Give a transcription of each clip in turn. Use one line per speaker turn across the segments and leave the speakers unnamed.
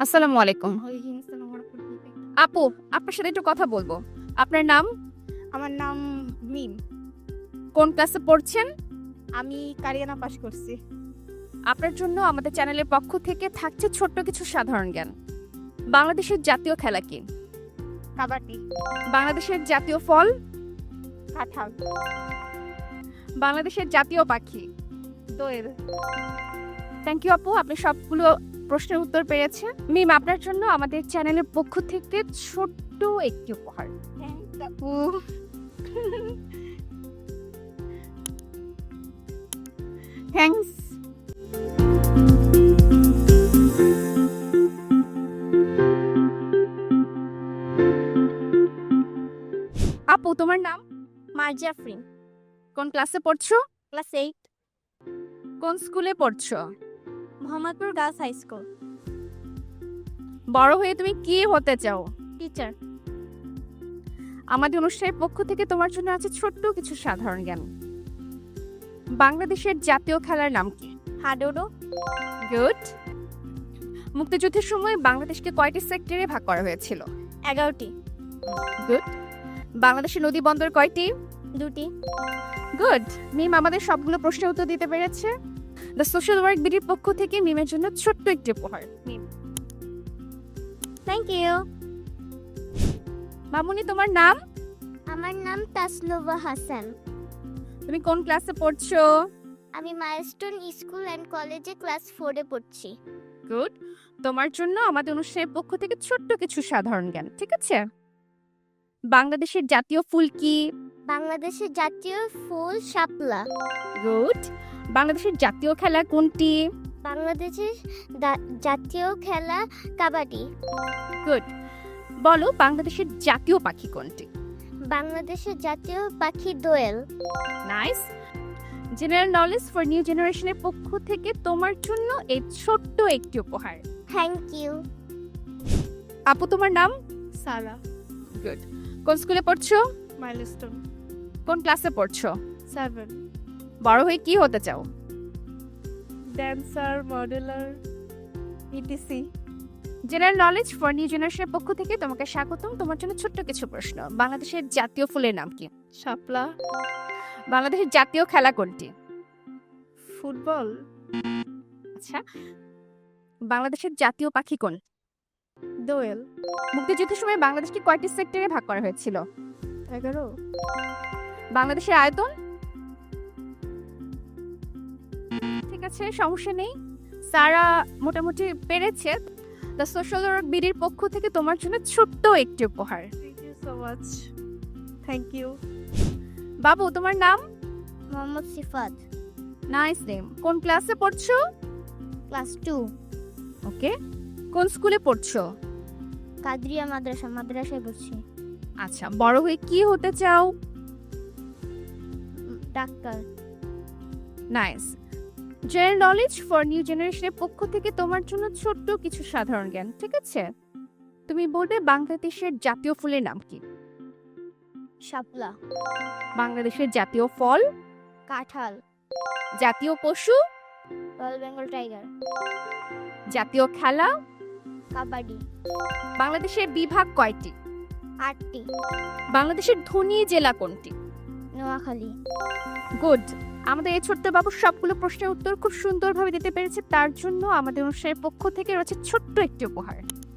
আসসালামু আলাইকুম।
ওয়ালাইকুম আসসালাম ওয়া রাহমাতুল্লাহি।
আপু, আপনার সাথে একটু কথা বলবো। আপনার নাম?
আমার নাম মিম।
কোন ক্লাসে পড়ছেন?
আমি কারিয়ানা পাস করছি।
আপনার জন্য আমাদের চ্যানেলের পক্ষ থেকে থাকছে ছোট্ট কিছু সাধারণ জ্ঞান। বাংলাদেশের জাতীয় খেলা কি?
কাবাডি,
বাংলাদেশের জাতীয় ফল?
কাঁঠাল,
বাংলাদেশের জাতীয় পাখি?
দোয়েল।
থ্যাংক ইউ আপু, আপনি সবগুলো প্রশ্নের উত্তর পেরেছেন। মিম, আপনার জন্য আমাদের চ্যানেলের পক্ষ থেকে ছোট্ট একটি উপহার।
আপু থ্যাঙ্কস।
আপু, তোমার নাম?
মার্জিয়া আফরিন,
কোন ক্লাসে পড়ছো?
ক্লাস 8,
কোন স্কুলে পড়ছো?
Mohammadpur girls high school.
বড় হয়ে তুমি কি হতে চাও?
টিচার।
আমাদের অনুষ্ঠানের পক্ষ থেকে তোমার জন্য আছে ছোট্ট কিছু সাধারণ জ্ঞান। বাংলাদেশের জাতীয় খেলার নাম কি?
হাডুডু।
গুড। মুক্তিযুদ্ধের সময় বাংলাদেশকে কয়টি সেক্টরে ভাগ করা হয়েছিল?
11টি।
গুড। বাংলাদেশের নদী বন্দর কয়টি?
2টি।
গুড। মিম আমাদের সবগুলো প্রশ্নের উত্তর দিতে পেরেছে। দ্য সোশ্যাল ওয়ার্ক বিডির পক্ষ থেকে মিমের জন্য ছোট্ট একটি উপহার। মিম।
Thank you.
মামুনি, তোমার নাম?
আমার নাম তাসলুবা হাসান।
তুমি কোন ক্লাসে পড়ছো?
আমি মাইলস্টোন স্কুল অ্যান্ড কলেজে ক্লাস 4-এ পড়ছি।
গুড। তোমার জন্য আমাদের অনুষ্ঠানের পক্ষ থেকে ছোট্ট কিছু সাধারণ জ্ঞান, ঠিক আছে? বাংলাদেশের জাতীয় ফুল কি?
বাংলাদেশের জাতীয় ফুল শাপলা।
গুড। বাংলাদেশের জাতীয় খেলা কোনটি?
বাংলাদেশের জাতীয় খেলা কাবাডি।
গুড। বলো বাংলাদেশের জাতীয় পাখি কোনটি?
বাংলাদেশের জাতীয় পাখি দোয়েল।
Nice. General knowledge for new জেনারেশনের পক্ষ থেকে তোমার জন্য এই ছোট্ট একটি উপহার।
Thank you.
আপু, তোমার নাম?
সারা।
গুড। কোন স্কুলে পড়ছো?
মাইলস্টোন
কোন ক্লাসে পড়ছো?
7।
বড় হয়ে কি হতে চাও?
Dancer, modeller, ETC.
General knowledge for new জেনারেশনের পক্ষ থেকে তোমাকে স্বাগতম। তোমার জন্য ছোট্ট কিছু প্রশ্ন। বাংলাদেশের জাতীয় ফুলের নাম কি?
শাপলা।
বাংলাদেশের জাতীয় খেলা কোনটি?
ফুটবল।
আচ্ছা, বাংলাদেশের জাতীয় পাখি কোন?
দোয়েল।
মুক্তিযুদ্ধের সময় বাংলাদেশকে কয়টি সেক্টরে ভাগ করা হয়েছিল?
11।
বাংলাদেশের আয়তন? ঠিক আছে, সমস্যা নেই। সারা মোটামুটি পেরেছে। দ্য সোশ্যাল ওয়ার্ক বিডির পক্ষ থেকে তোমার জন্য ছোট্ট একটি উপহার।
Thank you so much. Thank you.
বাবু, তোমার নাম?
Mohammad Sifat,
nice name. কোন ক্লাসে পড়ছো?
Class 2,
okay. কোন স্কুলে পড়ছো?
কাদরিয়া মাদ্রাসায় পড়ছি।
আচ্ছা, বড় হয়ে কি হতে চাও?
Doctor.
Nice. General knowledge for new জেনারেশনের পক্ষ থেকে তোমার জন্য ছোট্ট কিছু সাধারণ জ্ঞান, ঠিক আছে? তুমি বলবে বাংলাদেশের জাতীয় ফুলের নাম কি?
শাপলা।
বাংলাদেশের জাতীয় ফল?
কাঁঠাল।
জাতীয় পশু?
Royal Bengal tiger.
জাতীয় খেলা?
কাবাডি।
বাংলাদেশের বিভাগ কয়টি?
8টি।
বাংলাদেশের ধনী জেলা কোনটি?
নোয়াখালী।
গুড। আমাদের এই ছোট্ট বাবু সবগুলো প্রশ্নের উত্তর খুব সুন্দরভাবে দিতে পেরেছে। তার জন্য আমাদের অনুষ্ঠানের পক্ষ থেকে রয়েছে ছোট্ট একটি উপহার।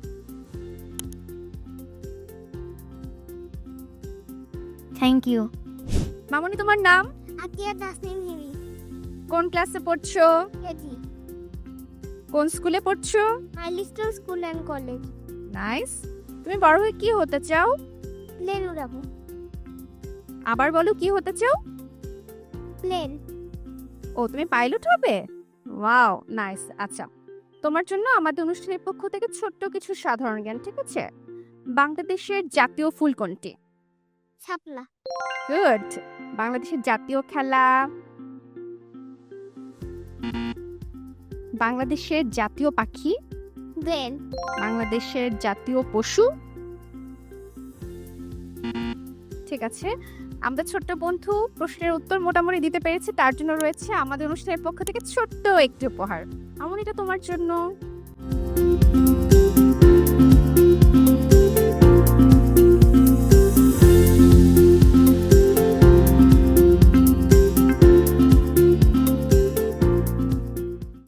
Thank you.
মামনি, তোমার নাম?
আকিয়া তাসনিম হিমি।
কোন ক্লাসে পড়ছো?
কেজি।
কোন স্কুলে পড়ছো?
Milestone school and college.
Nice. তুমি বড় হয়ে কি হতে চাও?
প্লেন উড়াবো।
আবার বলো, কি হতে চাও?
প্লেন।
ও, তুমি পাইলট হবে? Wow, nice. আচ্ছা, তোমার জন্য আমাদের অনুষ্ঠানের পক্ষ থেকে ছোট্ট কিছু সাধারণ জ্ঞান, ঠিক আছে? বাংলাদেশের জাতীয় ফুল কোনটি?
শাপলা।
গুড। বাংলাদেশের জাতীয় খেলা? বাংলাদেশের জাতীয় পাখি?
দেন।
বাংলাদেশের জাতীয় পশু? ঠিক আছে, আমাদের ছোট্ট বন্ধু প্রশ্নের উত্তর মোটামুটি দিতে পেরেছে। তার জন্য রয়েছে আমাদের অনুষ্ঠানের পক্ষ থেকে ছোট্ট একটি উপহার। আমার এটা তোমার জন্য।